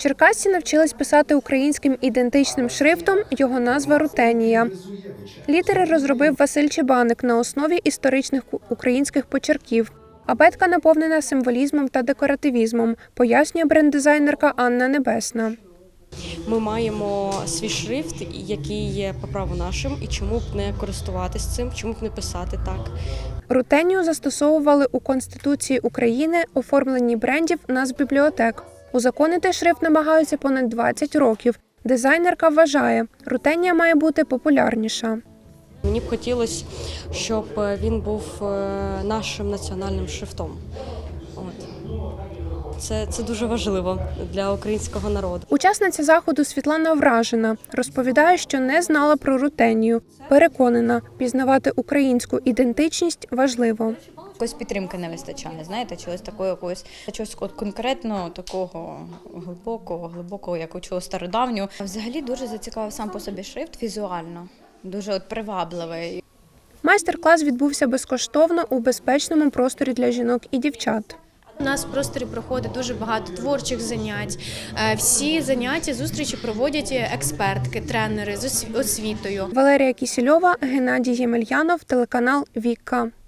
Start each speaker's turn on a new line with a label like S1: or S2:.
S1: Черкасці навчились писати українським ідентичним шрифтом, його назва «Рутенія». Літери розробив Василь Чебаник на основі історичних українських почерків. Абетка наповнена символізмом та декоративізмом, пояснює бренд-дизайнерка Анна Небесна.
S2: Ми маємо свій шрифт, який є по праву нашим, і чому б не користуватись цим, чому б не писати так.
S1: Рутенію застосовували у Конституції України, оформленні брендів, назв бібліотек. Узаконити шрифт намагаються понад 20 років. Дизайнерка вважає, рутенія має бути популярніша.
S2: Мені б хотілося, щоб він був нашим національним шрифтом. Це дуже важливо для українського народу.
S1: Учасниця заходу Світлана вражена. Розповідає, що не знала про рутенію. Переконана, пізнавати українську ідентичність важливо.
S3: Якоїсь підтримки не вистачає, знаєте, чогось конкретного, такого глибокого, як у чогось стародавнього. Взагалі дуже зацікавив сам по собі шрифт візуально, дуже привабливий.
S1: Майстер-клас відбувся безкоштовно у безпечному просторі для жінок і дівчат.
S4: У нас в просторі проходить дуже багато творчих занять. Всі заняття, зустрічі проводять експертки, тренери з освітою.
S1: Валерія Кісільова, Геннадій Ємельянов, телеканал «Віка».